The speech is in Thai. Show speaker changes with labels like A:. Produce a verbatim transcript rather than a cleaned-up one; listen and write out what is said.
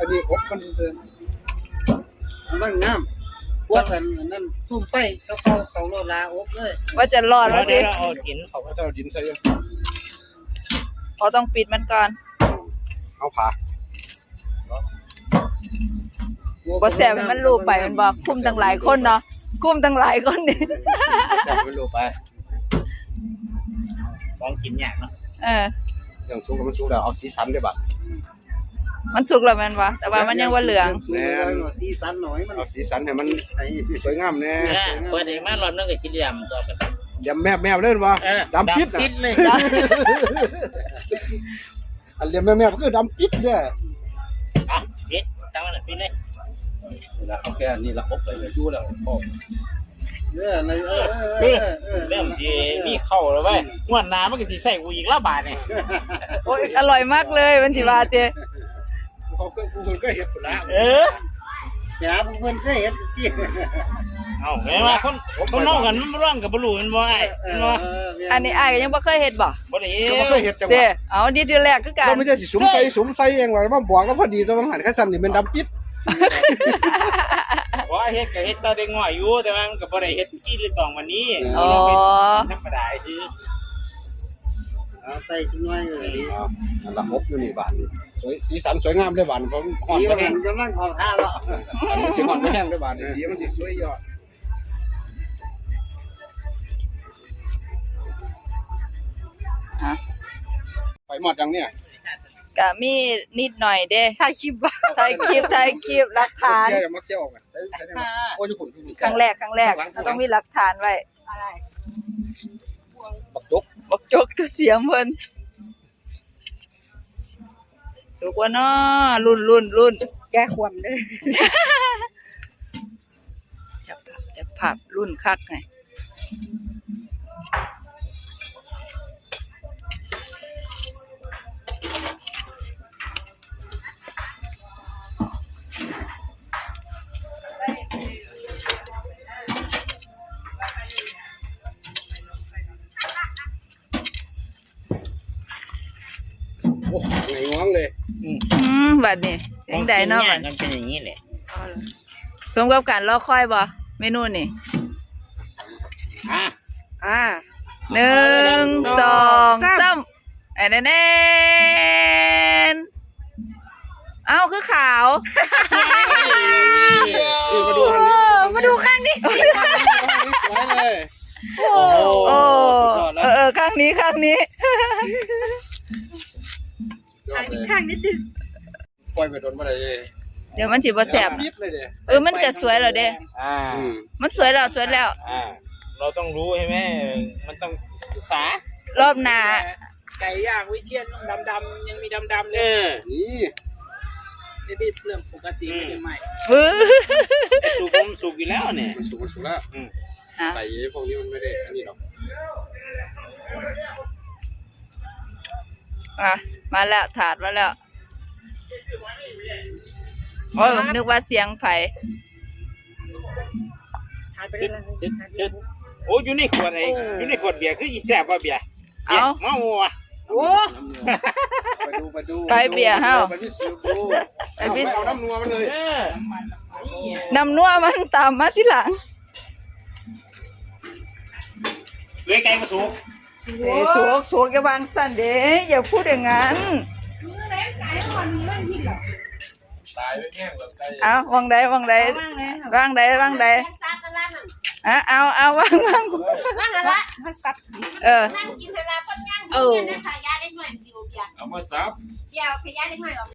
A: อันนี้อบมันเสื่อมมันงามพวกกันนั่นซุ่มไฟเขาเขาเขาโลลาอบเลย
B: ว่าจะรอดแล้วดิ
C: เราเอาดินเขาก็
A: จะเอาดินใส่ยัง
B: เขาต้องปิดมันก่อน
A: เอาผ่า
B: บ่แสบมันรูปไปมันบอกคุ้มตั้งหลายคนเนาะคุ้มตั้งหลายคนนี่
A: แสบมันรูปไป
C: ต้องกินยากเนาะ
B: เออ
A: อย่างสุกมันสุกแล้วเอาสีสันได้บ่
B: มันสุกแล้วมันวะแต่ว่ามันยังว่าเหลือง
A: แน่สีสันหน่อยมันเอาสีสันให้มันสวยงามแน่
C: เปิดเองมารอบนึงก็สีดำตัวไป
A: ดำแมบแมบเล่นวะดำปิด
C: ปิดเลย
A: อันเรียมแมบแมบก็คือดำปิดเนี่ย
C: อ่ะปิดตั้งมันปิดเลย
A: แล้วโอเคนี่ละครบเลยยู่แล้วพ่อเออในเออ
C: เริ่มที่มีเข้าแล้วเว้ยงวดหน้ามันก็สิใส่กูอีกละบาทนี่
B: โอ้ยอร่อยมากเลยมันสิบาทเจ้
A: เขาเพิ่นเพิ่นก็เฮ็ดพุ่นละ
C: เออ
A: หาเพิ่นก็เฮ็ดที่
C: เอ้าแม่ว่าคนคนนอกกันมันร้องกับบ่รู้มันบ่อ้ายมันบ่
B: อันนี้อ้ายก็ยังบ่เคยเฮ็ดบ่
C: บ่ได้
A: เฮ็ดจัง
B: ว่าเด้เอาดีทีแรกคือกัน
A: เราไม่ได้สิสุมใส่สุมใส่เองว่ามาบอกแล้วพอดีตอนหันคันสั่นนี่มันดำปิด
C: ว่าเฮ็ดก็เฮ็ดตอนเด็กน้อยอยู่แต่ว่ามันก็บ่ได้เฮ็ดกี่หรือต้องวันนี้
B: อ๋อ
C: ธรรมดาซื่อ
A: เอาใส่จังน้อยเลยอ๋ออันละครบอยู่นี่บาดนี่สวยสีสันสวยงามเด้อบาดผมฮ้อนก็แห้งกำลังของท่าแล้วอันนี้สิฮ้อนก็แห้งเด้อบาดนี่สีมันสิสวยยอด
B: ฮะ
A: ไปหมดจังเนี่ย
B: ก็มีนิดหน่อยเด้
D: ถ่ายคลิป
B: ถ่ายคลิปถ่ายคลิปหลักฐาน
A: เที่ยวมาเที่ยวกันโอ้ยคุณ
B: ครั้งแรกครั้งแรกต้องมีหลักฐานไว้
D: อะไร
A: บักจก
B: บักจกตัวเสียงเพิ่นสุกว่าน้อรุ่นรุ่นรุ่น
D: แก้ความเด้อ
B: จับผับจับผับรุ่นคักไง
A: โอ้ไงง้องเลย
B: อืมบัดนี้ยังได้เนาะบัด
C: มันเป็นอย่างนี้แหละ
B: สมกับการรอคอยบ่เมนูนี่
C: อ่ะ
D: อ่า
B: หนึ่งสองสามแอนแอนเอ้าคือขาว
A: มาดูข้างนี้
B: มาดูข้างนี้
A: สวยเลย
B: โอ้เออข้างนี้ข้างนี้
D: ข้างนิดนึง
A: ปล่อยไปโดนมาเลย
B: เดี๋ยวมันสิบ่แซ่บเออมันก็สวยแล้วเด้
C: อ่า
B: มันสวยแล้วสวยแล้ว
C: อ่าเราต้องรู้ใช่ไหมมันต้องศึกษาร
B: อบหน้า
C: ไก่ย่างวิเชียรดำๆยังมีดำๆเลย
A: นี่
C: ไม่ได้เรื่องปกติไม่ได้ใหม่สุกมันสุกอยู่แล้วเนี่ย
A: มันสุกมันสุกแล้วไก่พวกนี้มันไม่ได้อันนี้หรอก
B: อ่ะมาแล้วถาดมาแล้วโอ้ยนึกว่าเสียงไผ่
C: โอ้อยู่ในขวดไอ้อยู่ในขวดเบียร์คืออีแซ่บว่าเบียร์
B: เอ้า
C: เมาว่ะ
D: โอ้
A: ไปดูไปดู
B: ไปเบียร์เฮา
A: ไปพิสูจน์ดูไปพิสูจน์เอาน้ำนัวมาเลย
B: น้ำนัวมันตามมาทีหลัง
C: เลยไก่มาสุก
B: เอ้สุกสุกอย่าวางสั่นเด้อย่าพูดอย่างนั้นเอาวางใดวางใดวางใดวางใดอ่ะเอาเอาวางวางเออ
D: เออเอามาซับ
C: เดี๋ยวขยะเล็กน้อย